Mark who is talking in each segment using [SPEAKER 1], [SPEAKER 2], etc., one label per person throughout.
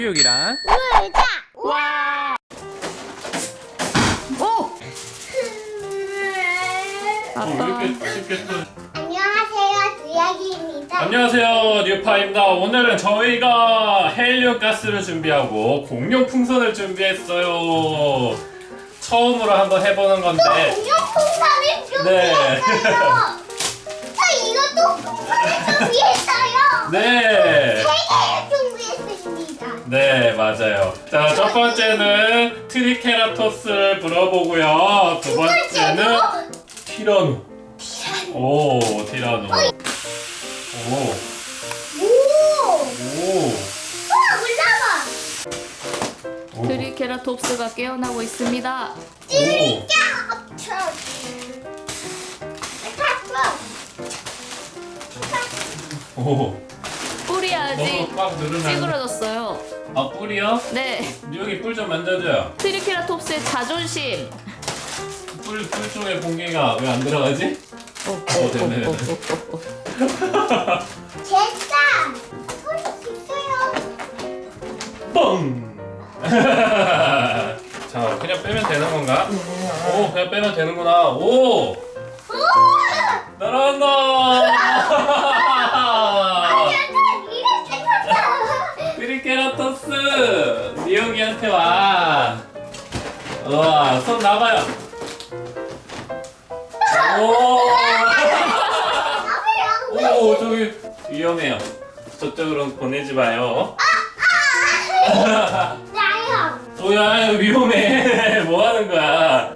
[SPEAKER 1] 교육이란
[SPEAKER 2] 놀자.
[SPEAKER 1] 와! 오! 아빠.
[SPEAKER 3] 쉽게 또.
[SPEAKER 2] 안녕하세요, 두약이입니다.
[SPEAKER 3] 안녕하세요, 뉴파입니다. 오늘은 저희가 헬륨 가스를 준비하고 공룡 풍선을 준비했어요. 처음으로 한번 해보는 건데.
[SPEAKER 2] 공룡 풍선을
[SPEAKER 3] 네.
[SPEAKER 2] 준비했어요. 저 이것도 풍선을 준비했어요.
[SPEAKER 3] 네.
[SPEAKER 2] 세 개를 준비했습니다.
[SPEAKER 3] 네, 맞아요. 자, 첫 번째는 트리케라토스를 불어보고요. 두 번째는 티라노. 오, 티라노. 오,
[SPEAKER 2] 오!
[SPEAKER 3] 오.
[SPEAKER 2] 올라가!
[SPEAKER 3] 오.
[SPEAKER 1] 트리케라톱스가 깨어나고 있습니다.
[SPEAKER 2] 찌리까 합쳐.
[SPEAKER 3] 오.
[SPEAKER 1] 뿔이 아직
[SPEAKER 3] 너무 꽉 누르면.
[SPEAKER 1] 찌그러졌어요.
[SPEAKER 3] 아, 뿔이요?
[SPEAKER 1] 네.
[SPEAKER 3] 여기 뿔 좀 만져줘요.
[SPEAKER 1] 트리케라톱스의 자존심.
[SPEAKER 3] 뿔 쪽에 공기가 왜 안 들어가지? 됐네.
[SPEAKER 2] 됐다! 소리 있어요.
[SPEAKER 3] 뻥! 자, 그냥 빼면 되는 건가? 오, 그냥 빼면 되는구나. 오! 날아간다!
[SPEAKER 2] 약간 이래 생겼다.
[SPEAKER 3] 트리케라토스! 미역이한테 와. 우와, 손 놔봐요. 오! 오, 저기 위험해요. 저쪽으로 보내지 마요.
[SPEAKER 2] 나요.
[SPEAKER 3] 오야, 위험해. 뭐 하는 거야?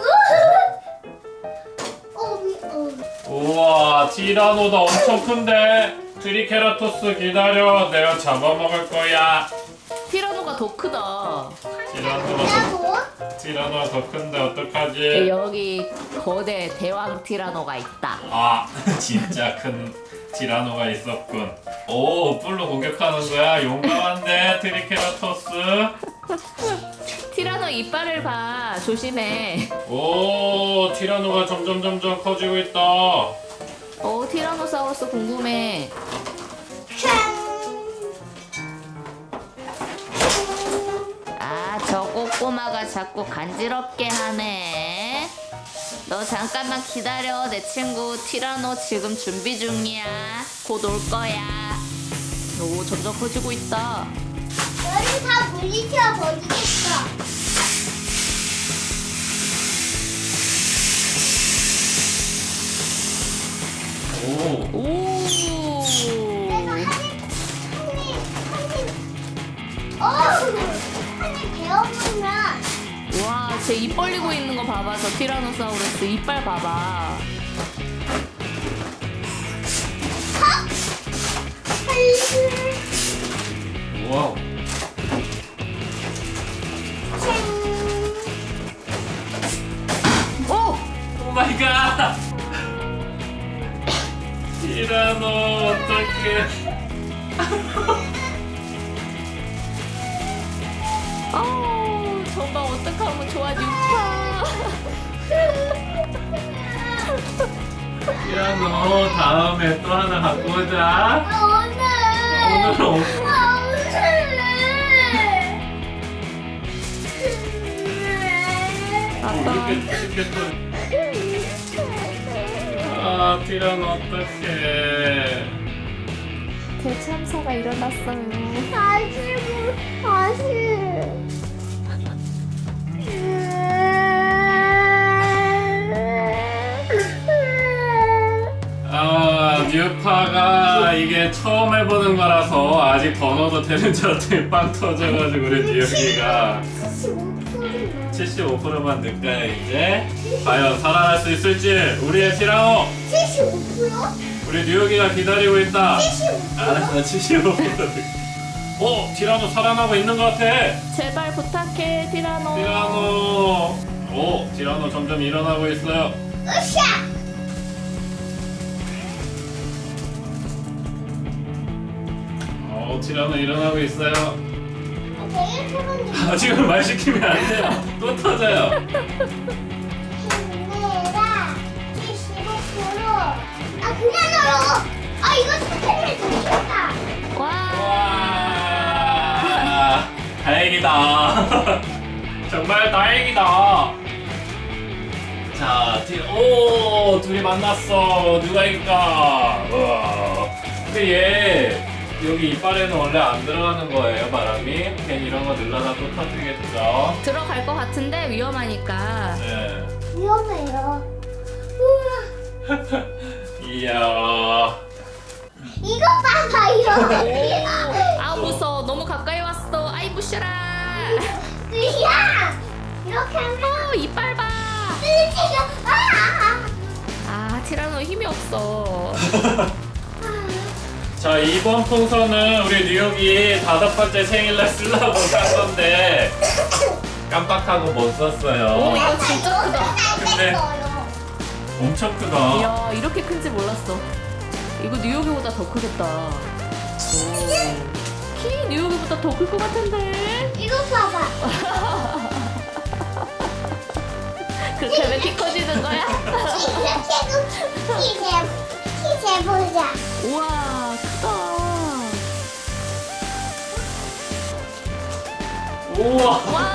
[SPEAKER 3] 우와, 티라노도 엄청 큰데. 트리케라토스 기다려. 내가 잡아먹을 거야.
[SPEAKER 1] 티라노가 더 크다.
[SPEAKER 3] 티라노가 더 큰데 어떡하지?
[SPEAKER 1] 여기 거대 대왕 티라노가 있다.
[SPEAKER 3] 아, 진짜 큰 티라노가 있었군. 오, 뿔로 공격하는 거야. 용감한데, 트리케라토스.
[SPEAKER 1] 티라노 이빨을 봐. 조심해.
[SPEAKER 3] 오, 티라노가 점점 커지고 있다.
[SPEAKER 1] 티라노사우루스 궁금해. 아, 저 꼬꼬마가 자꾸 간지럽게 하네. 너 잠깐만 기다려. 내 친구 티라노 지금 준비 중이야. 곧 올 거야. 오, 점점 커지고 있다.
[SPEAKER 2] 너를 다 물리쳐 버리겠어.
[SPEAKER 3] 오,
[SPEAKER 1] 오.
[SPEAKER 2] 한입 배워보면
[SPEAKER 1] 와, 쟤 입 벌리고 있는 거 봐봐. 저 티라노사우루스 이빨 봐봐.
[SPEAKER 3] 와우.
[SPEAKER 1] 오!
[SPEAKER 3] 오 마이 갓! 티라노, 어떡해.
[SPEAKER 1] 아우, 정말 어떡하면 좋아, 뉴파.
[SPEAKER 3] 티라노, 다음에 또 하나 갖고 오자. 오늘은 없어.
[SPEAKER 1] 아빠.
[SPEAKER 3] 쉽게 또. 아, 티라노, 어떡해.
[SPEAKER 1] 대참사가 일어났어요.
[SPEAKER 2] 다시.
[SPEAKER 3] 아, 뉴파가 이게 처음 해보는 거라서 아직 더 넣어도 되는 줄 알았더니 빵 터져가지고 우리 뉴욕이가 75%만 넣을까요 이제? 과연 살아날 수 있을지 우리의 티라노
[SPEAKER 2] 75%?
[SPEAKER 3] 우리 뉴욕이가 기다리고 있다.
[SPEAKER 2] 75%?
[SPEAKER 3] 알았어, 75%. 오, 티라노 살아나고 있는 것 같아.
[SPEAKER 1] 제발 부탁해, 티라노.
[SPEAKER 3] 티라노. 오, 티라노 점점 일어나고 있어요.
[SPEAKER 2] 으쌰!
[SPEAKER 3] 오, 티라노 일어나고 있어요.
[SPEAKER 2] 내일 푸는
[SPEAKER 3] 아, 지금 말 시키면 안 돼요. 또 터져요.
[SPEAKER 2] 힘내라 75%. 아 그냥 넣어. 아 이거 스팸을 좀 줬다.
[SPEAKER 1] 와.
[SPEAKER 3] 와. 다행이다. 정말 다행이다. 자, 오, 둘이 만났어. 누가 이길까? 우와. 근데 얘 여기 이빨에는 원래 안 들어가는 거예요, 바람이. 괜히 이런 거 늘려놔 또 터지겠죠.
[SPEAKER 1] 들어갈 것 같은데 위험하니까.
[SPEAKER 3] 네.
[SPEAKER 2] 위험해요. 우와.
[SPEAKER 3] 이야.
[SPEAKER 2] 이거 봐봐요.
[SPEAKER 1] 아 무서워. 너무 가까이 왔어. 아이 부셔라.
[SPEAKER 2] 으야! 이렇게 하면
[SPEAKER 1] 이빨 봐.
[SPEAKER 2] 뜯어지죠.
[SPEAKER 1] 아 티라노 힘이 없어.
[SPEAKER 3] 자, 이번 풍선은 우리 뉴욕이 5번째 생일날 쓰려고 산 건데 깜빡하고 못
[SPEAKER 1] 오
[SPEAKER 3] 썼어요.
[SPEAKER 1] 이거 진짜 크다.
[SPEAKER 3] 근데 엄청 크다.
[SPEAKER 1] 이야 이렇게 큰지 몰랐어. 이거 뉴욕이보다 더 크겠다. 키 뉴욕이보다 더 클 것 같은데.
[SPEAKER 2] 이거 봐봐.
[SPEAKER 1] 그렇게 하면 키 커지는 거야?
[SPEAKER 2] 키 재보자.
[SPEAKER 1] 우와 크다.
[SPEAKER 3] 우와.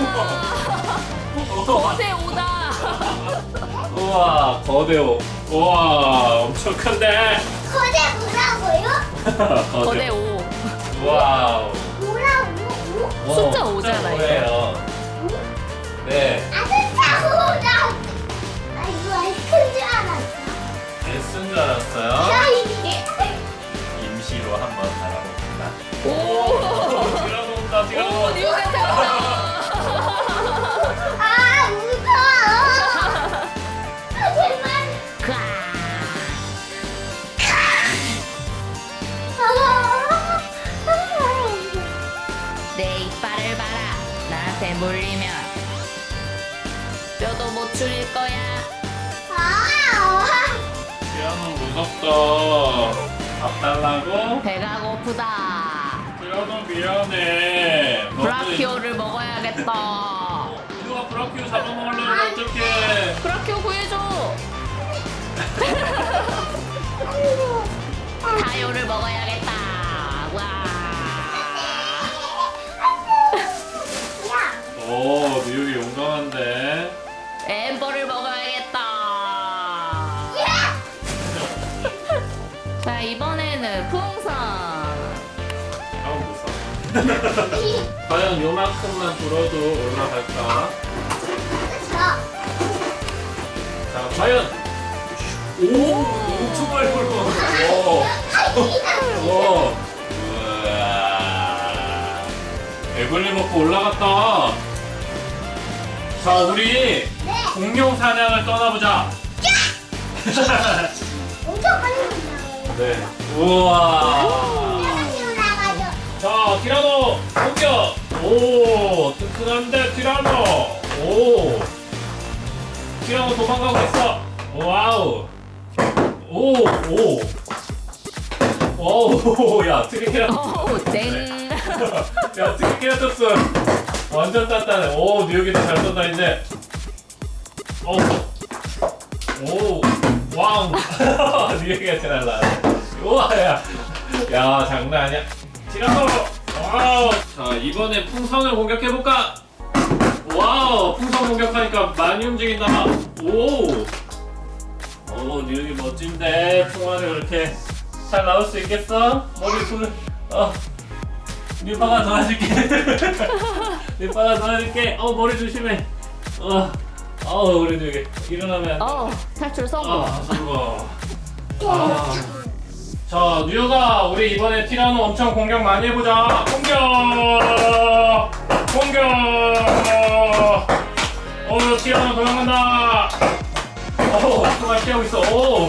[SPEAKER 1] 와 거대 오다.
[SPEAKER 3] 우와, 거대오. 우와, 엄청 큰데.
[SPEAKER 2] 거대 뭐라고요?
[SPEAKER 1] 거대 오.
[SPEAKER 3] 와우.
[SPEAKER 2] 뭐라고?
[SPEAKER 1] 숫자 오잖아,
[SPEAKER 3] 오예요. 네,
[SPEAKER 2] 아 숫자 오다. 아 이거 큰줄 알았어.
[SPEAKER 3] S인 줄 알았어요.
[SPEAKER 2] 야 이게.
[SPEAKER 3] 임시로 한번 달아봅니다.
[SPEAKER 1] 오.
[SPEAKER 3] 들어놓는다,
[SPEAKER 1] 오
[SPEAKER 3] 들어놓는다.
[SPEAKER 1] 뉴욕한테 왔다.
[SPEAKER 2] 아 무서워. 아 제발.
[SPEAKER 1] 내 이빨을 봐라. 나한테 물리면 뼈도 못 줄일 거야.
[SPEAKER 3] 티라노 무섭다. 밥 달라고?
[SPEAKER 1] 배가 고프다.
[SPEAKER 3] 티라노 미안해.
[SPEAKER 1] 브라키오를 먹어야겠다.
[SPEAKER 3] 누가 브라키오 잡아먹으려면 어떡해.
[SPEAKER 1] 브라키오 구해줘. 타요를 먹어야겠다. 와.
[SPEAKER 3] 오, 뉴욕이 용감한데.
[SPEAKER 1] 엠버를 먹어야겠다. 자 이번에는 풍선.
[SPEAKER 3] 아우, 무서워. 과연 요만큼만 불어도 올라갈까? 자, 과연. 오, 엄청 많이 불어. 오. 오. 우와. 에블리 먹고 올라갔다. 자, 우리 공룡 사냥을 떠나보자.
[SPEAKER 2] 엄청 빨리 올라가요.
[SPEAKER 3] 네. 우와.
[SPEAKER 2] 올라가죠.
[SPEAKER 3] 자, 티라노 공격. 오, 튼튼한데 티라노. 오. 티라노 도망가고 있어. 와우. 오, 오. 오, 야, 트리케라톱스.
[SPEAKER 1] 오 땡.
[SPEAKER 3] 야, 트리케라톱스. 완전 단단해. 오, 뉴욕이도 잘 쏜다, 이제. 오. 오. 왕. 뉴욕이가 제일 날라네. 우와, 야. 야, 장난 아니야. 티라노. 와우. 자, 이번에 풍선을 공격해볼까? 와우, 풍선 공격하니까 많이 움직인다. 오. 오, 뉴욕이 멋진데. 풍화를 이렇게 잘 나올 수 있겠어? 머리 손을. 뉴파가 도와줄게. 뉴파가 도와줄게. 머리 조심해. 우리 뉴욕이 일어나면 안 돼.
[SPEAKER 1] 탈출 성공.
[SPEAKER 3] 성공. 자, 뉴욕아, 우리 이번에 티라노 엄청 공격 많이 해보자. 공격! 티라노 도망간다. 정말 피하고 있어.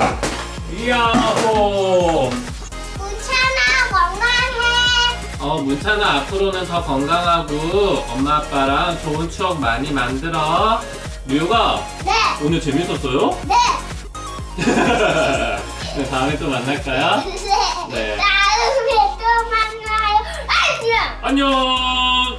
[SPEAKER 3] 이야호.
[SPEAKER 2] 문찬아 건강해.
[SPEAKER 3] 문찬아, 앞으로는 더 건강하고 엄마 아빠랑 좋은 추억 많이 만들어. 뉴욕아,
[SPEAKER 2] 네.
[SPEAKER 3] 오늘 재밌었어요?
[SPEAKER 2] 네.
[SPEAKER 3] 네, 다음에 또 만날까요?
[SPEAKER 2] 네.
[SPEAKER 3] 네.
[SPEAKER 2] 다음에 또 만나요. 안녕.
[SPEAKER 3] 안녕.